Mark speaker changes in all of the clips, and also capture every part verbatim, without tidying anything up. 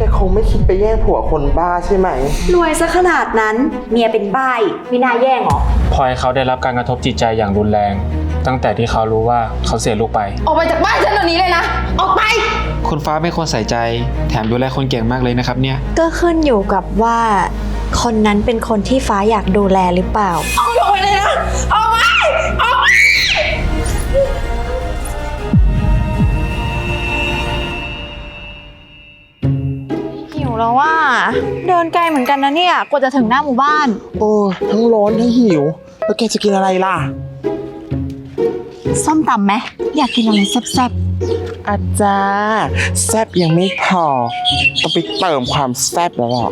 Speaker 1: แกคงไม่คิดไปแย่งผัวคนบ้าใช่ไหม
Speaker 2: รวยซะขนาดนั้นเมียเป็นบ้าไม่น่าแย่งหรอ
Speaker 3: พลอยเขาได้รับการกระทบจิตใจอย่างรุนแรง ตั้งแต่ที่เขารู้ว่าเขาเสียลูกไป
Speaker 4: ออกไปจากบ้านฉันเดี๋ยวนี้เลยนะออกไป
Speaker 5: คุณฟ้าไม่ควรใส่ใจแถมดูแลคนเก่งมากเลยนะครับเนี่ย
Speaker 2: ก็ขึ้นอยู่กับว่าคนนั้นเป็นคนที่ฟ้าอยากดูแลหรือเปล่า
Speaker 4: ออกไปเลยนะออกไปออกไป
Speaker 2: หิวแล้วว่าเดินไกลเหมือนกันนะเนี่ยกว่าจะถึงหน้าหมู่บ้าน
Speaker 1: โอ้ทั้งร้อนทั้งหิวแล้วแกจะกินอะไรล่ะ
Speaker 2: ส้มตำไหมอยากกินอะไรแซ่บ
Speaker 1: ๆอาจารย์แซ่บยังไม่พอต้องไปเติมความแซ่บแล้วหรอ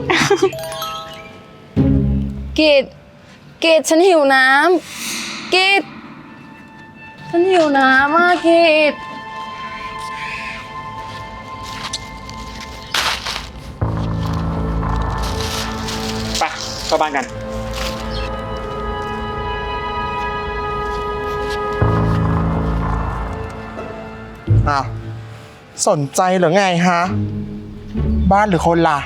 Speaker 4: กิดกิดฉันหิวน้ำกิดฉันหิวน้ำมากกิด
Speaker 3: ไปเข้าบ้านกัน
Speaker 1: อ้าวสนใจหรือไงฮะบ้านหรือคนล่ะ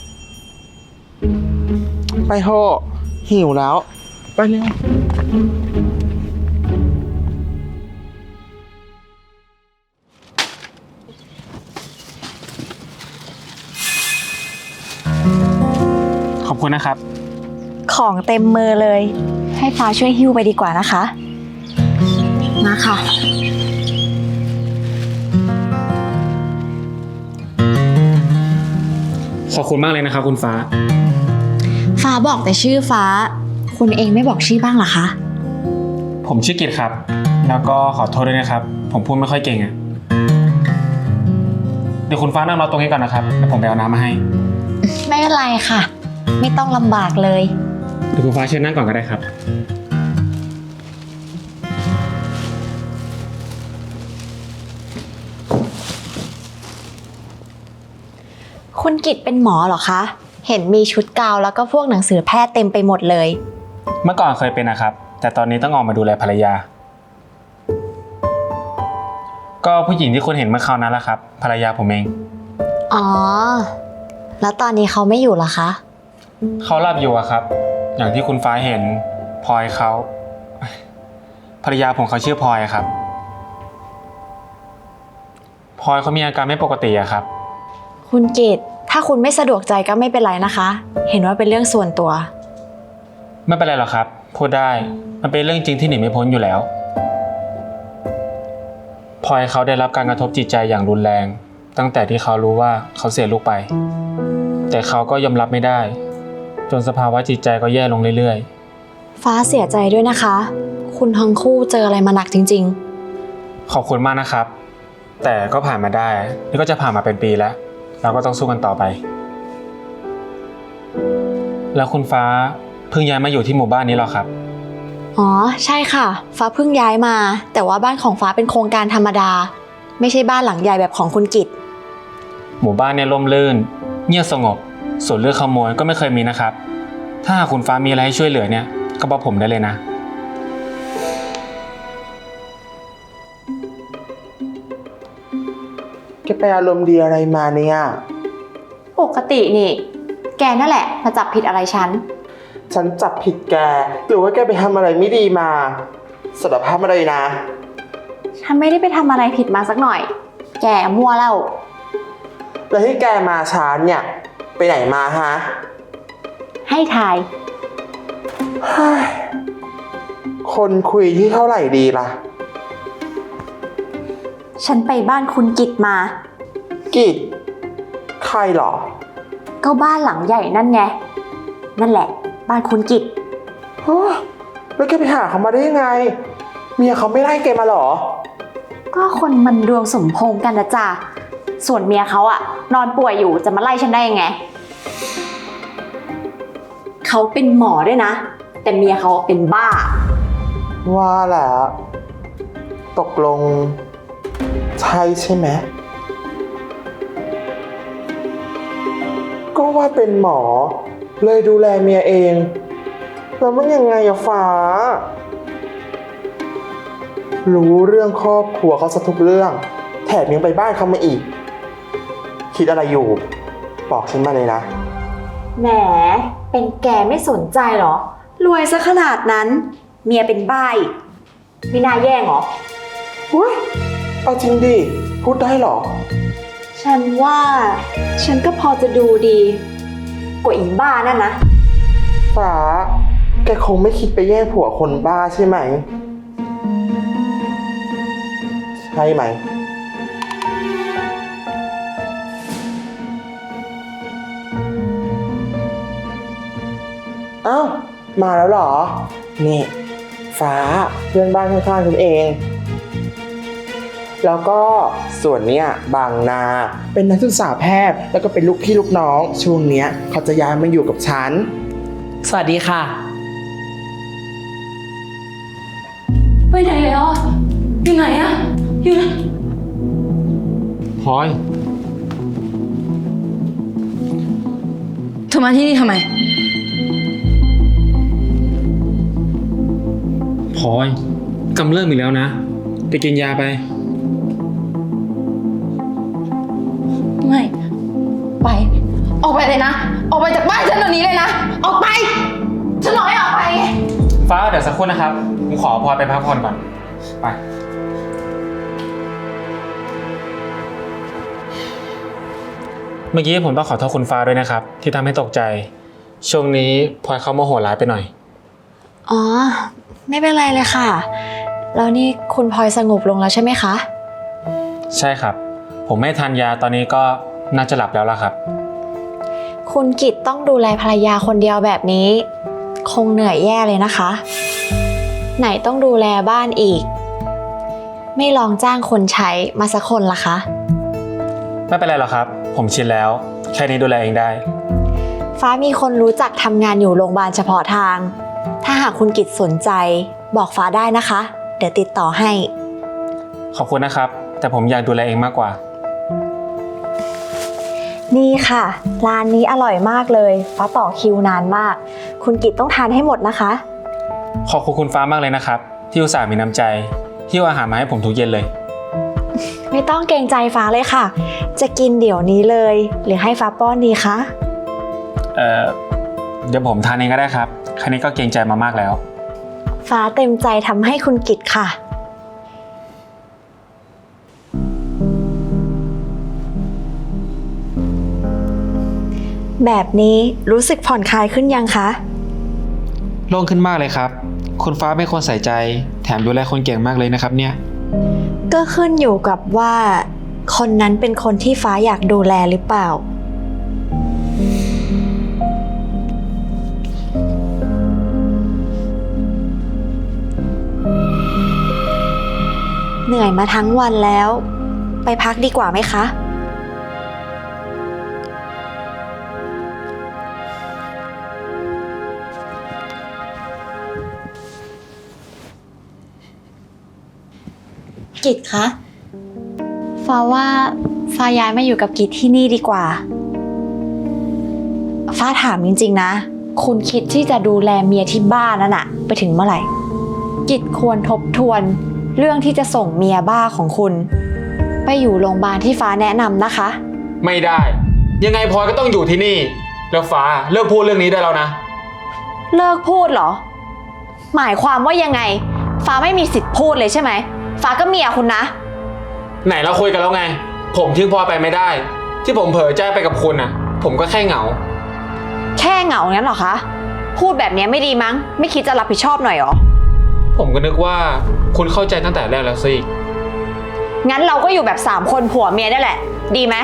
Speaker 1: ไปโหหิวแล้วไปเร็ว
Speaker 3: ขอบคุณนะครับ
Speaker 2: ของเต็มมือเลยให้ฟ้าช่วยหิ้วไปดีกว่านะคะมาค่ะ
Speaker 3: ขอบคุณมากเลยนะครับคุณฟ้า
Speaker 2: ฟ้าบอกแต่ชื่อฟ้าคุณเองไม่บอกชื่อบ้างเหรอคะ
Speaker 3: ผมชื่อกิตครับแล้วก็ขอโทษด้วยนะครับผมพูดไม่ค่อยเก่งอ่ะเดี๋ยวคุณฟ้านั่งรอตรงนี้ก่อนนะครับเดี๋ยวผมไปเอาน้ำมาให้
Speaker 2: ไม่เป็นไรค่ะไม่ต้องลำบากเลย
Speaker 3: เดี๋ยวคุณฟ้าเชิญนั่งก่อนก็ได้ครับ
Speaker 2: คุณกิตเป็นหมอเหรอคะเห็นมีชุดกาวแล้วก็พวกหนังสือแพทย์เต็มไปหมดเลย
Speaker 3: เมื่อก่อนเคยเป็นนะครับแต่ตอนนี้ต้องออกมาดูแลภรรยาก็ผู้หญิงที่คุณเห็นเมื่อคราวนั้นแหละครับภรรยาผมเอง
Speaker 2: อ๋อแล้วตอนนี้เขาไม่อยู่เหรอคะ
Speaker 3: เขาหลับอยู่อะครับอย่างที่คุณฟ้าเห็นพลอยเขาภรรยาผมเขาชื่อพลอยครับพลอยเขามีอาการไม่ปกติอะครับ
Speaker 2: คุณกิตถ้าคุณไม่สะดวกใจก็ไม่เป็นไรนะคะเห็นว่าเป็นเรื่องส่วนตัว
Speaker 3: ไม่เป็นไรหรอกครับพูดได้มันเป็นเรื่องจริงที่หนีไม่พ้นอยู่แล้วพลอยเขาได้รับการกระทบจิตใจอย่างรุนแรงตั้งแต่ที่เขารู้ว่าเขาเสียลูกไปแต่เขาก็ยอมรับไม่ได้จนสภาวะจิตใจก็แย่ลงเรื่อย
Speaker 2: ๆฟ้าเสียใจด้วยนะคะคุณทั้งคู่เจออะไรมาหนักจริง
Speaker 3: ๆขอบคุณมากนะครับแต่ก็ผ่านมาได้นี่ก็จะผ่านมาเป็นปีแล้วเราก็ต้องสู้กันต่อไปแล้วคุณฟ้าเพิ่งย้ายมาอยู่ที่หมู่บ้านนี้หรอครับ
Speaker 2: อ๋อใช่ค่ะฟ้าเพิ่งย้ายมาแต่ว่าบ้านของฟ้าเป็นโครงการธรรมดาไม่ใช่บ้านหลังใหญ่แบบของคุณกิต
Speaker 3: หมู่บ้านเนี่ยร่มรื่นเงียบสงบส่วนเรื่องขโมยก็ไม่เคยมีนะครับถ้าหากคุณฟ้ามีอะไรให้ช่วยเหลือเนี่ยก็บอกผมได้เลยนะ
Speaker 1: แกไปอารมณ์ดีอะไรมาเนี่ย
Speaker 2: ปกตินี่แกนั่นแหละมาจับผิดอะไรฉัน
Speaker 1: ฉันจับผิดแกหรือว่าแกไปทำอะไรไม่ดีมาสารภาพมาเลยนะ
Speaker 2: ฉันไม่ได้ไปทำอะไรผิดมาสักหน่อยแกมั่วแล้ว
Speaker 1: แล้วที่แกมาช้าเนี่ยไปไหนมาฮะ
Speaker 2: ให้ทาย
Speaker 1: คนคุยที่เท่าไหร่ดีล่ะ
Speaker 2: ฉันไปบ้านคุณกิตมา
Speaker 1: กิตใครหรอ
Speaker 2: ก็บ้านหลังใหญ่นั่นไงนั่นแหละบ้านคุณกิต
Speaker 1: แล้วแกไปหาเขามาได้ยังไงเมียเขาไม่ไล่แกมาหรอ
Speaker 2: ก็คนมันดวงสมพงษ์กันนะจ๊ะส่วนเมียเขาอะนอนป่วยอยู่จะมาไล่ฉันได้ยังไงเขาเป็นหมอด้วยนะแต่เมียเขาเป็นบ้า
Speaker 1: ว่าแหละตกลงใช่ใช่ไหมก็ว่าเป็นหมอเลยดูแลเมียเองแล้วมันยังไงอะฟ้ารู้เรื่องครอบครัวเขาซะทุกเรื่องแถมยังไปบ้านเขามาอีกคิดอะไรอยู่บอกฉันมาเลยนะ
Speaker 2: แหม เป็นแกไม่สนใจเหรอ รวยซะขนาดนั้น เมียเป็นบ้าอีกไม่น่าแย่งเหรอ
Speaker 1: อุ้ยเอาจริงดิ พูดได้เหรอ
Speaker 2: ฉันว่า ฉันก็พอจะดูดี กว่าอีบ้านั่นนะ
Speaker 1: ฟ้า แกคงไม่คิดไปแย่งผัวคนบ้าใช่ไหม ใช่ไหม เอ้า มาแล้วเหรอ นี่ ฟ้าเพื่อนบ้านข้างๆฉันเอง แล้วก็ส่วนเนี้ยบางนา เป็นนักศึกษาแพทย์ แล้วก็เป็นลูกพี่ลูกน้อง ช่วงเนี้ยเขาจะย้ายมาอยู่กับฉัน
Speaker 6: สวัสดีค่ะ
Speaker 4: ไปไหนแล้วอะอยู่ไหนอะอยู่ไหน
Speaker 3: พลอย
Speaker 4: เธอมาที่นี่ทำไม
Speaker 3: พลอยกำเริบอีกแล้วนะ ไปกินยาไป
Speaker 4: ไม่ ไป ออกไปเลยนะ ออกไปจากบ้านฉันเดี๋ยวนี้เลยนะ ออกไป ฉันบอกให้ออกไปไง
Speaker 3: ฟ้าเดี๋ยวสักครู่นะครับ ผมขอพลอยไปพักผ่อนก่อน ไป เมื่อกี้ผมต้องขอโทษคุณฟ้าด้วยนะครับ ที่ทำให้ตกใจ ช่วงนี้พลอยเขาโมโหร้ายไปหน่อย
Speaker 2: อ๋อ ไม่เป็นไรเลยค่ะ แล้วนี่คุณพลอยสงบลงแล้วใช่ไหมคะ
Speaker 3: ใช่ครับ ผมไม่ทานยาตอนนี้ก็น่าจะหลับแล้วล่ะครับ
Speaker 2: คุณกิตต้องดูแลภรรยาคนเดียวแบบนี้ คงเหนื่อยแย่เลยนะคะ ไหนต้องดูแลบ้านอีก ไม่ลองจ้างคนใช้มาสักคนล่ะคะ
Speaker 3: ไม่เป็นไรหรอกครับ ผมชินแล้ว แค่นี้ดูแลเองได้
Speaker 2: ฟ้ามีคนรู้จักทำงานอยู่โรงพยาบาลเฉพาะทาง ถ้าหากคุณกิตสนใจบอกฟ้าได้นะคะ เดี๋ยวติดต่อให้
Speaker 3: ขอบคุณนะครับ แต่ผมอยากดูแลเองมากกว่า
Speaker 2: นี่ค่ะ ร้านนี้อร่อยมากเลยฟ้าต่อคิวนานมาก คุณกิตต้องทานให้หมดนะคะ
Speaker 3: ขอบคุณคุณฟ้ามากเลยนะครับ ที่อุตส่าห์มีน้ำใจที่เอาอาหารมาให้ผมทุกเย็นเลย
Speaker 2: ไม่ต้องเกรงใจฟ้าเลยค่ะ จะกินเดี๋ยวนี้เลย หรือให้ฟ้าป้อนดีคะ
Speaker 3: เอ่อ เดี๋ยวผมทานเองก็ได้ครับแค่นี้ก็เกรงใจมามากแล้ว
Speaker 2: ฟ้าเต็มใจทำให้คุณกิตค่ะ แบบนี้รู้สึกผ่อนคลายขึ้นยังคะ
Speaker 5: โล่งขึ้นมากเลยครับ คุณฟ้าเป็นคนใส่ใจ แถมดูแลคนเก่งมากเลยนะครับเนี่ย
Speaker 2: ก็ขึ้นอยู่กับว่า คนนั้นเป็นคนที่ฟ้าอยากดูแลหรือเปล่า เหนื่อยมาทั้งวันแล้ว ไปพักดีกว่าไหมคะ กิตคะฟ้าว่าฟ้าย้ายมาอยู่กับกิตที่นี่ดีกว่า ฟ้าถามจริงๆนะ คุณคิดที่จะดูแลเมียที่บ้านนั่นน่ะไปถึงเมื่อไหร่ กิตควรทบทวนเรื่องที่จะส่งเมียบ้าของคุณ ไปอยู่โรงพยาบาลที่ฟ้าแนะนำนะคะ
Speaker 3: ไม่ได้ ยังไงพลอยก็ต้องอยู่ที่นี่ แล้วฟ้าเลิกพูดเรื่องนี้ได้แล้วนะ
Speaker 2: เลิกพูดเหรอ หมายความว่ายังไง ฟ้าไม่มีสิทธิ์พูดเลยใช่ไหม ฟ้าก็เมียคุณนะ
Speaker 3: ไหนเราคุยกันแล้วไง ผมทิ้งพลอยไปไม่ได้ ที่ผมเผลอใจไปกับคุณน่ะ ผมก็แค่เหงา
Speaker 2: แค่เหงางั้นเหรอคะ พูดแบบนี้ไม่ดีมั้ง ไม่คิดจะรับผิดชอบหน่อยเหรอ
Speaker 3: ผมก็นึกว่าคุณเข้าใจตั้งแต่แรกแล้วสิ
Speaker 2: งั้นเราก็อยู่แบบสามคนผัวเมียได้แหละ ดีไหม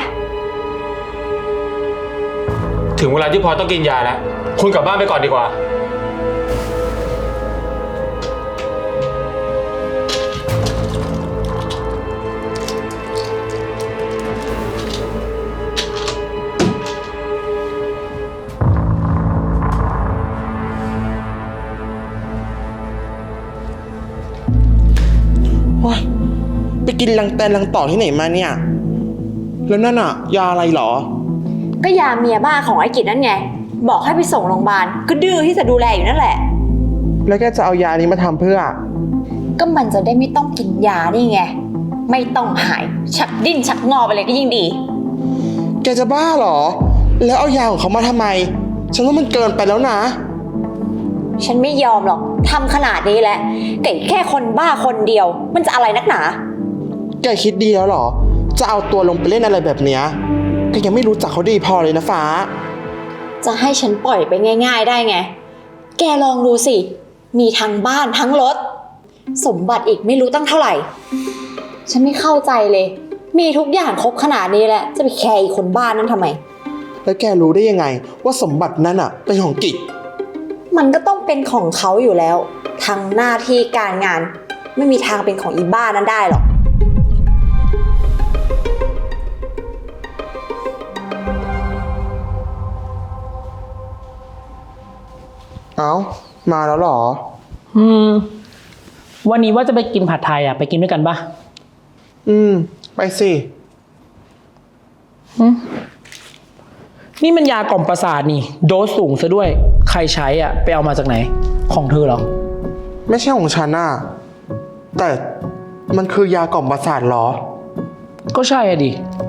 Speaker 3: ถึงเวลาที่พลอยต้องกินยาแล้ว คุณกลับบ้านไปก่อนดีกว่า
Speaker 1: ว้ายไปกินลังแตนลังต่อที่ไหนมาเนี่ย แล้วนั่นอะยาอะไรเหรอ
Speaker 2: ก็ยาเมียบ้าของไอ้กิจนั่นไง บอกให้ไปส่งโรงพยาบาล ก็ดื้อที่จะดูแลอยู่นั่นแหละ
Speaker 1: แล้วแกจะเอายานี้มาทำเพื่อ
Speaker 2: ก็มันจะได้ไม่ต้องกินยานี่ไง ไม่ต้องหาย ชักดิ้นชักงอไปเลยก็ยิ่งดี
Speaker 1: แกจะบ้าเหรอแล้วเอายาของเขามาทำไม ฉันว่ามันเกินไปแล้วนะ
Speaker 2: ฉันไม่ยอมหรอกทำขนาดนี้แล้วแต่แค่คนบ้าคนเดียว มันจะอะไรนักหนา
Speaker 1: แกคิดดีแล้วเหรอ จะเอาตัวลงไปเล่นอะไรแบบเนี้ยแกยังไม่รู้จักเขาดีพอเลยนะฟ้า
Speaker 2: จะให้ฉันปล่อยไปง่าย ๆ ได้ไง แกลองดูสิ มีทั้งบ้านทั้งรถ สมบัติอีกไม่รู้ตั้งเท่าไหร่ ฉันไม่เข้าใจเลย มีทุกอย่างครบขนาดนี้แล้วจะไปแคร์อีกคนบ้านนั้นทำไม
Speaker 1: แล้วแกรู้ได้ยังไง ว่าสมบัตินั้นอ่ะเป็นของกิจ
Speaker 2: มันก็ต้องเป็นของเขาอยู่แล้ว ทั้งหน้าที่การงาน ไม่มีทางเป็นของอีบ้านั้นได้หรอก
Speaker 1: เอ้า มาแล้วเหรอ
Speaker 6: อืม วันนี้ว่าจะไปกินผัดไทยอ่ะ ไปกินด้วยกันปะ
Speaker 1: อืม ไปสิ
Speaker 6: นี่มันยากล่อมประสาทนี่ โดสสูงซะด้วย ใครใช้อ่ะ ไปเอามาจากไหน ของเธอเหรอ
Speaker 1: ไม่ใช่ของฉันน่ะ แต่มันคือยากล่อมประสาทเหรอ
Speaker 6: ก็ใช่อะดิ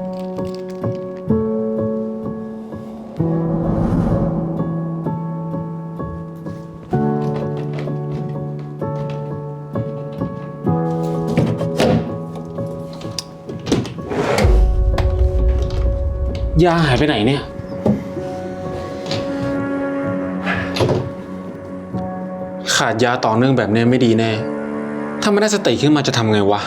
Speaker 3: ยาหายไปไหนเนี่ย ขาดยาต่อเนื่องแบบนี้ไม่ดีแน่ ถ้าไม่ได้สติขึ้นมาจะทำไงวะ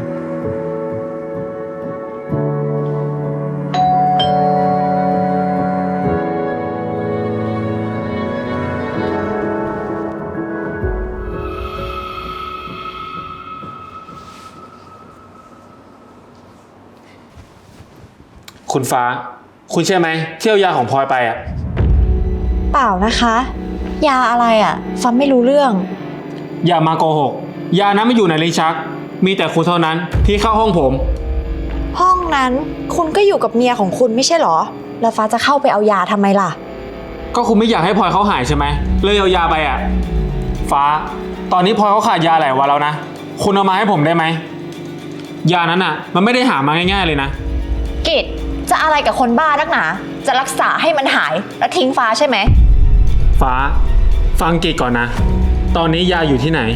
Speaker 3: คุณฟ้า คุณใช่ไหมเที่ยวยาของพลอยไปอ่ะ
Speaker 2: เปล่านะคะ ยาอะไรอ่ะ ฟังไม่รู้เรื่อง
Speaker 3: อย่ามาโกหก ยานั้นไม่อยู่ในลิ้นชัก มีแต่คุณเท่านั้นที่เข้าห้องผม
Speaker 2: ห้องนั้นคุณก็อยู่กับเมียของคุณไม่ใช่เหรอ แล้วฟ้าจะเข้าไปเอายาทำไมล่ะ
Speaker 3: ก็คุณไม่อยากให้พลอยเขาหายใช่ไหมเลยเอายาไปอ่ะ ฟ้า ตอนนี้พลอยเขาขาดยาหลายวันแล้วนะ คุณเอามาให้ผมได้ไหม ยานั้นอ่ะ มันไม่ได้หามาง่ายๆเลยนะ
Speaker 2: กิจจะอะไรกับคนบ้านักหนา จะรักษาให้มันหายแล้วทิ้งฟ้าใช่ไหม
Speaker 3: ฟ้า ฟังกิจก่อนนะ ตอนนี้ยาอยู่ที่ไหน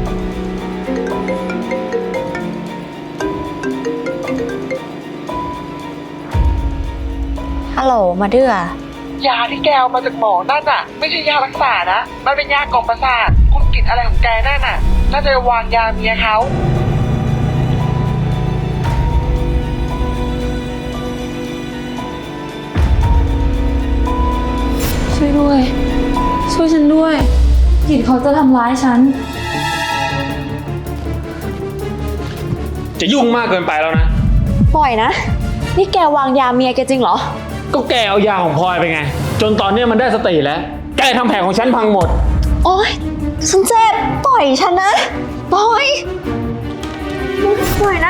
Speaker 2: ฮัลโหลมาเดือย
Speaker 7: าที่แกเอามาจากหมอนั่นน่ะ ไม่ใช่ยารักษานะ มันเป็นยากล่อมประสาทคุณกินอะไรของแกนั่นน่ะ น่าจะวางยาเมียเขา
Speaker 4: ช่วยด้วย ช่วยฉันด้วยกิจเขาจะทำร้ายฉัน
Speaker 3: จะยุ่งมากเกินไปแล้วนะ
Speaker 2: ปล่อยนะ นี่แกวางยาเมียแกจริงเหรอ
Speaker 3: ก็แกเอายาของพลอยไปไง จนตอนนี้มันได้สติแล้ว แกทำแผลของฉันพังหมด
Speaker 2: โอ๊ยฉันเจ็บปล่อยฉันนะ ปล่อย ปล่อยนะ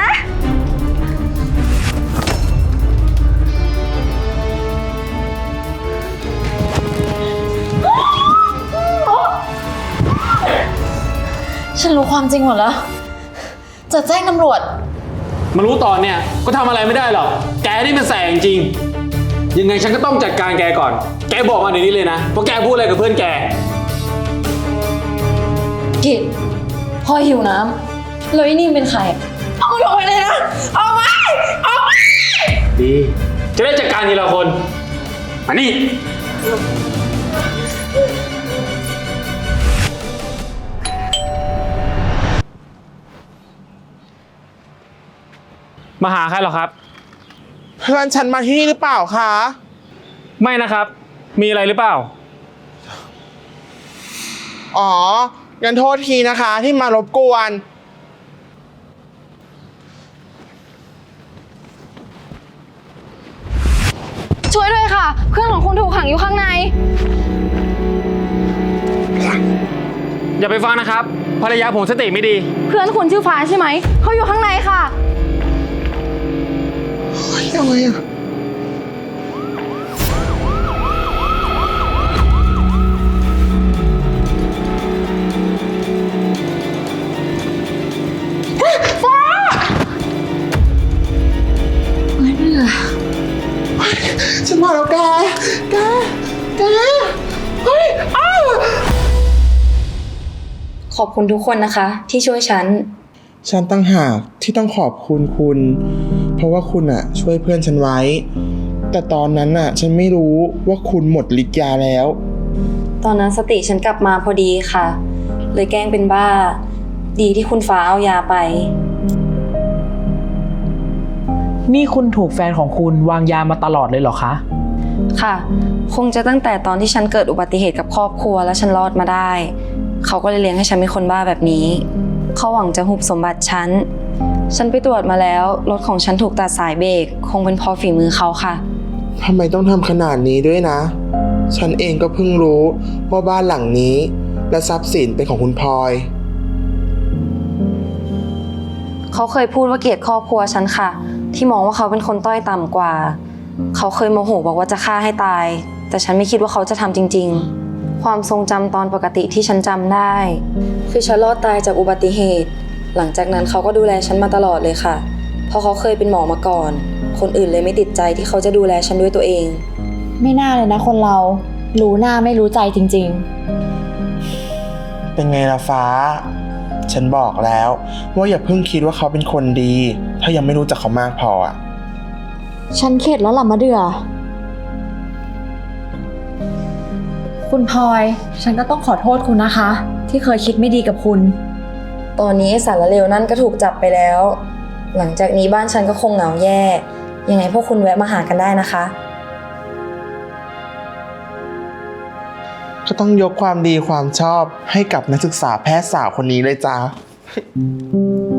Speaker 2: ฉันรู้ความจริงหมดแล้ว จะแจ้งตำรวจ
Speaker 3: มารู้ตอนเนี่ยก็ทำอะไรไม่ได้หรอก แกนี่มันแสงจริง ยังไงฉันก็ต้องจัดการแกก่อน แกบอกมาเดี๋ยวนี้เลยนะว่าแกพูดอะไรกับเพื่อนแก
Speaker 4: กิจพลอยหิวน้ำแล้วไอ้นี่เป็นใครเอามันออกไปเลยนะออกไปออกไป
Speaker 3: ดี จะได้จัดการทีละคน มานี่ มาหาใครหรอครับ
Speaker 1: เพื่อนฉันมาที่นี่หรือเปล่าคะ
Speaker 3: ไม่นะครับ มีอะไรหรือเปล่า
Speaker 1: อ๋อ งั้นโทษทีนะคะที่มารบกวน
Speaker 4: ช่วยด้วยค่ะ เพื่อนของคุณถูกขังอยู่ข้างใน
Speaker 3: อย่าไปฟังนะครับ ภรรยาผมสติไม่ดี
Speaker 4: เพื่อนคุณชื่อฟ้าใช่ไหม เขาอยู่ข้างในค่ะ
Speaker 1: อะไรอ่ะ ฉันมาแล้วแก
Speaker 4: ขอบคุณทุกคนนะคะ ที่ช่วยฉัน
Speaker 1: ฉันตั้งหากที่ต้องขอบคุณคุณ เพราะว่าคุณอะช่วยเพื่อนฉันไว้ แต่ตอนนั้นอะฉันไม่รู้ว่าคุณหมดฤทธิ์ยาแล้ว
Speaker 4: ตอนนั้นสติฉันกลับมาพอดีค่ะ เลยแกล้งเป็นบ้า ดีที่คุณฟ้าเอายาไป
Speaker 6: นี่คุณถูกแฟนของคุณวางยามาตลอดเลยเหรอคะ
Speaker 4: ค่ะ คงจะตั้งแต่ตอนที่ฉันเกิดอุบัติเหตุกับครอบครัวแล้วฉันรอดมาได้ เขาก็เลยเลี้ยงให้ฉันเป็นคนบ้าแบบนี้ เขาหวังจะหุบสมบัติฉัน ฉันไปตรวจมาแล้ว รถของฉันถูกตัดสายเบรก คงเป็นเพราะฝีมือเขาค่ะ
Speaker 1: ทำไมต้องทำขนาดนี้ด้วยนะ ฉันเองก็เพิ่งรู้ว่าบ้านหลังนี้ และทรัพย์สินเป็นของคุณพลอย
Speaker 4: เขาเคยพูดว่าเกลียดครอบครัวฉันค่ะ ที่มองว่าเขาเป็นคนต้อยต่ำกว่า เขาเคยโมโหบอกว่าจะฆ่าให้ตาย แต่ฉันไม่คิดว่าเขาจะทำจริงๆ ความทรงจำตอนปกติที่ฉันจำได้ คือฉันรอดตายจากอุบัติเหตุ หลังจากนั้นเขาก็ดูแลฉันมาตลอดเลยค่ะ เพราะเขาเคยเป็นหมอมาก่อน คนอื่นเลยไม่ติดใจที่เขาจะดูแลฉันด้วยตัวเอง
Speaker 2: ไม่น่าเลยนะคนเรา รู้หน้าไม่รู้ใจจริง
Speaker 1: เป็นไงล่ะฟ้า ฉันบอกแล้วว่าอย่าเพิ่งคิดว่าเขาเป็นคนดี ถ้ายังไม่รู้จักเขามากพออะ
Speaker 2: ๆ ฉันเข็ดแล้วล่ะมะเดือ คุณพลอย ฉันก็ต้องขอโทษคุณนะคะ ที่เคยคิดไม่ดีกับคุณ
Speaker 4: ตอนนี้ไอ้สารเลวนั่นก็ถูกจับไปแล้ว หลังจากนี้บ้านฉันก็คงเหงาแย่ ยังไงพวกคุณแวะมาหากันได้นะคะ
Speaker 1: ก็ต้องยกความดีความชอบให้กับนักศึกษาแพทย์สาวคนนี้เลยจ้า